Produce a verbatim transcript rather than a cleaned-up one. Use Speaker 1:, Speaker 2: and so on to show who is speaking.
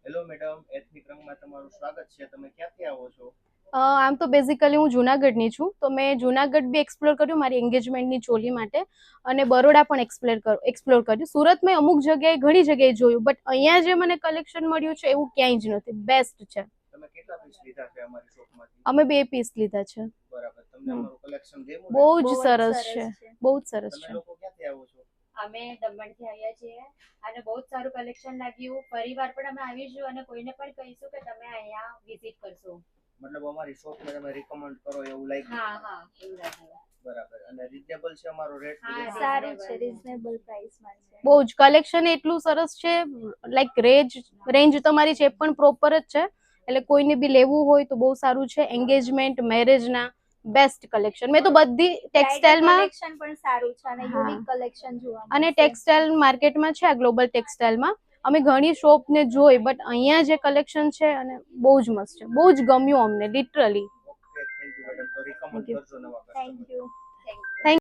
Speaker 1: Hello madam, ethnic રંગમાં તમારું સ્વાગત છે. તમે ક્યાંથી આવો છો?
Speaker 2: આમ તો બેઝિકલી હું જુનાગઢની છું, તો મેં જુનાગઢ બી એક્સપ્લોર કર્યું મારી એન્ગેજમેન્ટની ચોલી માટે, અને બરોડા પણ એક્સપ્લોર કર એક્સપ્લોર કર્યું. સુરત મેં અમુક જગ્યાએ ઘણી જગ્યાએ જોયું, બટ અહીંયા જે મને કલેક્શન મળ્યું છે એવું ક્યાંય જ નથી. બેસ્ટ છે.
Speaker 1: તમે કેટલા પીસ લીધા છે અમારી શોપમાંથી?
Speaker 2: અમે બે પીસ લીધા છે.
Speaker 1: બરાબર. તમને અમારું કલેક્શન ગમ્યું ને?
Speaker 2: બહુ જ સરસ છે, બહુ જ સરસ છે.
Speaker 1: તમે લોકો ક્યાંથી આવો છો?
Speaker 3: અમે દમણથી આવ્યા છીએ અને બહુ જ સારું કલેક્શન લાગ્યું. ફરીવાર પણ અમે આવીશું અને કોઈને પણ કહીશું કે તમે અહીંયા વિઝિટ કરશો.
Speaker 1: મતલબ અમારી શોપને તમે રિકમેન્ડ કરો એવું લાગ્યું?
Speaker 3: હા હા એવું લાગ્યું.
Speaker 1: બરાબર. અને રીઝનેબલ છે અમારો રેટ?
Speaker 3: હા,
Speaker 4: સારું છે, રીઝનેબલ પ્રાઇસમાં છે.
Speaker 2: બહુ જ કલેક્શન એટલું સરસ છે, લાઈક રેન્જ રેન્જ તમારી છે પણ પ્રોપર જ છે, એટલે કોઈને બી લેવું હોય તો બહુ સારું છે. એન્ગેજમેન્ટ મેરેજના બેસ્ટ કલેક્શન. મેં તો બધી ટેક્સટાઇલમાં
Speaker 4: કલેક્શન પણ સારું છે અને યુનિક કલેક્શન જોવા
Speaker 2: અને
Speaker 4: મળશે.
Speaker 2: ટેક્સટાઇલ માર્કેટમાં છે આ ગ્લોબલ ટેક્સટાઇલમાં અમે ઘણી શોપ ને જોઈ, બટ અહીંયા જે કલેક્શન છે અને બહુ જ મસ્ત છે, બહુ જ ગમ્યું અમને literally.
Speaker 1: Okay, thank you madam. તો રિકમેન્ડ કરજો નવા કસ્ટમર.
Speaker 4: Thank you.